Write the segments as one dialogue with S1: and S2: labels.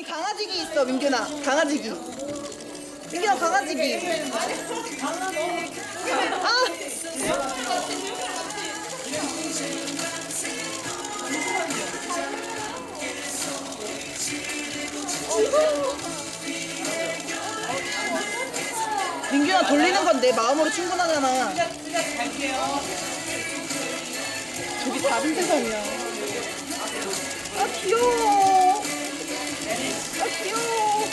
S1: 여기 강아지기 있어, 민균아. 강아지기. 민균아, 강아지기. 아! 민균아, 돌리는 건 내 마음으로 충분하잖아. 저기 다른 세상이야. 아, 귀여워. 아, 귀여워.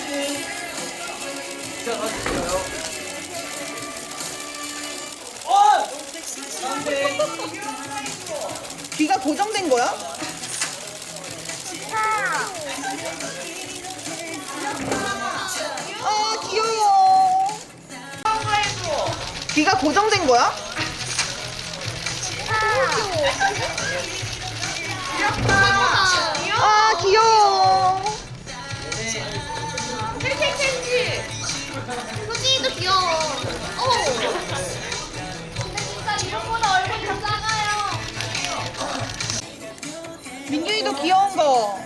S1: 귀가 고정된 거야? 아, 귀여워. 귀가 고정된 거야? 아, 귀여워.
S2: 캔디. 소진이도 귀여워. 진짜 이런보다 얼굴이 더 작아요.
S1: 민균이도 귀여운 거.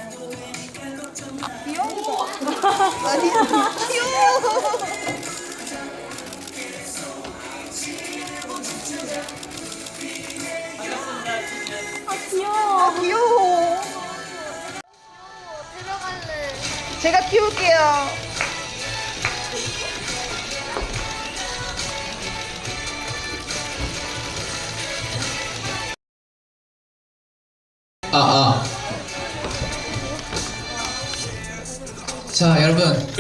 S1: 귀여운 거. 아니, 귀여워.
S2: 귀여워.
S1: 아, 귀여워.
S2: 데려갈래.
S1: 제가 키울게요.
S3: 자, 여러분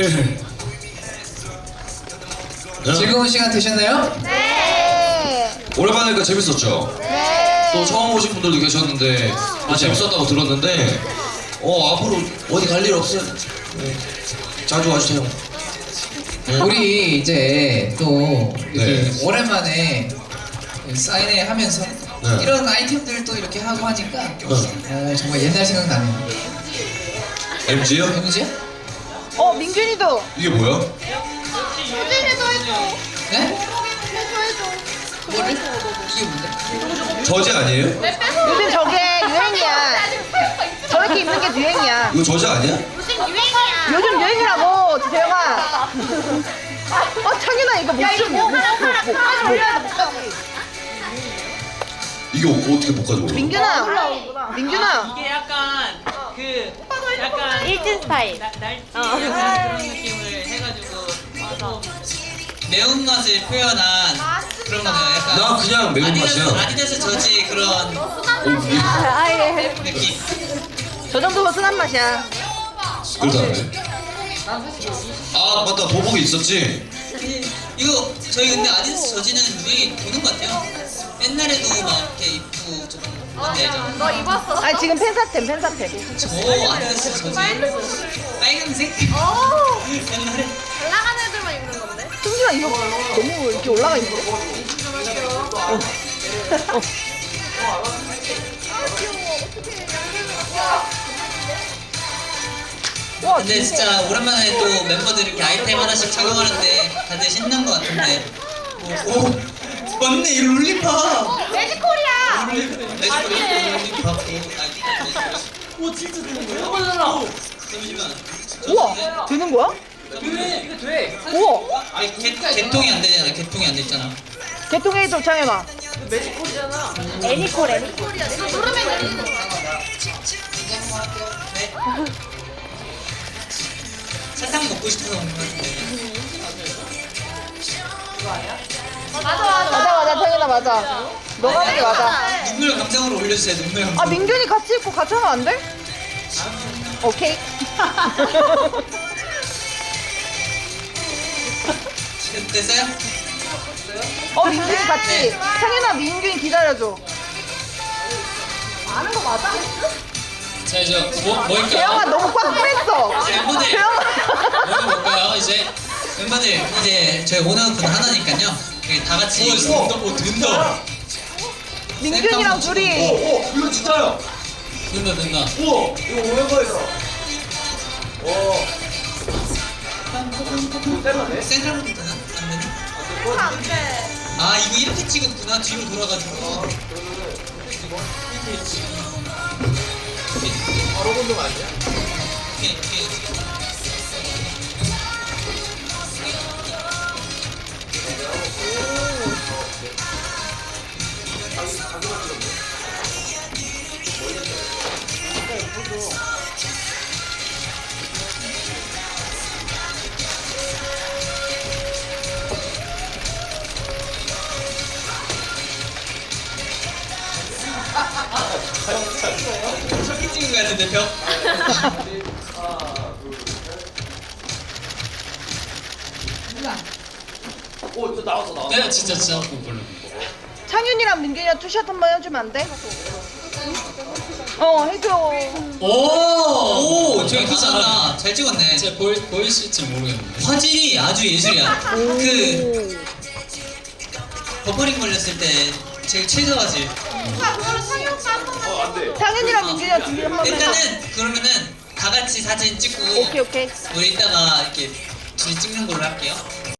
S3: 즐거운 시간 되셨나요?
S1: 네.
S4: 오랜만이니까 재밌었죠?
S1: 네.
S4: 또 처음 오신 분들도 계셨는데 재밌었다고 들었는데 앞으로 어디 갈 일 없어요? 네. 자주 와주세요. 네.
S3: 우리 이제 또 이렇게
S4: 네.
S3: 오랜만에 사인회 하면서
S4: 네.
S3: 이런 아이템들 또 이렇게 하고 하니까 정말 옛날 생각나네요.
S4: MG요?
S3: MG야?
S1: 민균이도.
S4: 이게 뭐야?
S2: 소진이도 해줘.
S3: 네?
S2: 해줘.
S3: 뭐를? 이게 뭔데?
S4: 저지 아니에요?
S1: 요즘 저게 유행이야. 저렇게 입는 게 유행이야.
S4: 이거 저지 아니야?
S2: 요즘 유행이야.
S1: 요즘 유행이라고, 재영아. 창윤아, 이거 못 좀.
S4: 이게 어떻게 못 가져올라?
S1: 민균아.
S5: 이게 약간 약간
S2: 일진 스타일.
S5: 날씨 약간 그런 느낌을 해가지고 와서
S3: 매운맛을 표현한 그런 거네요. 약간
S4: 나 그냥 매운맛이야.
S3: 아디다스 저지 그런 느낌.
S1: 저 정도면 순한 맛이야.
S4: 그렇다네. 아 맞다, 도복이 있었지?
S3: 이거 저희 근데 아디다스 저지는 유행이 도는 것 같아요. 옛날에도 막 이렇게 입고 좀 뭔데
S2: 너 입었어?
S1: 아니, 지금 팬사템.
S3: 저 아디다스 저지 빨간색? 옛날에
S2: 잘 나가는 애들만 입는 건데?
S1: 승준아, 이거 너무 이렇게 올라가 있는데? 와,
S3: 근데 진짜 오랜만에 또 멤버들이 이렇게 아이템 하나씩 착용하는데 다들 신난 것 같은데 오 맞네 이 롤리팝
S2: 매지콜이야.
S3: 롤리팝
S5: 오 진짜 되는 거야? 잠깐만
S3: 잠시만
S1: 우와, 되는 거야?
S5: 이거 돼
S1: 우와,
S3: 아니 개통이 안 되잖아 개통이 안 됐잖아
S1: 개통에 좀 창해봐.
S5: 매직콜이잖아
S1: 애니콜.
S2: 이거 누르면 되는 거.
S3: 네. 사탕 먹고 싶어서 먹는 거 같은데
S1: 맞아, 창현아, 맞아. 너가 하는 게 맞아.
S3: 눈물 감정으로 올려주세요 눈물 감정
S1: 아, 민균이 같이 입고 같이 하면 안 돼? 오케이.
S3: 됐어요?
S1: 민균이 같이. 창현아, 민균이 기다려줘.
S3: 자 이제 뭐일까요?
S1: 재영아, 너무 꽉 뺐어.
S3: 멤버들
S1: 재영아.
S3: 뭐가 뭘까요? 이제 멤버들 이제 저희 오너분 하나니까요 여기 다 같이 된다
S1: 민균이랑 둘이.
S4: 이거 진짜요?
S3: 된다
S4: 우와 이거 오랜만이다.
S3: 생각부터 되나? 안 되나? 아 이거 이렇게 찍었구나 뒤로 돌아가지고
S4: 바로 건너면 안 돼?
S3: 오케이, 오케이. 저기 찍은 거 같은데 벽. 내가 진짜 못 불러.
S1: 창윤이랑 민균이랑 투샷 한번 해주면 안 돼? 해줘.
S3: 오, 저기 괜찮아. 잘 찍었네.
S6: 진짜 보이실지 모르겠는데.
S3: 화질이 아주 예술이야. 그 버퍼링 걸렸을 때 제일 최저 화질.
S2: 그거를 상이 오빠 한 번만.
S1: 창윤이랑 민균이랑 둘이 한번 해줘.
S3: 일단은 그러면은 다 같이 사진 찍고
S1: 오케이.
S3: 우리 이따가 이렇게 둘이 찍는 걸로 할게요.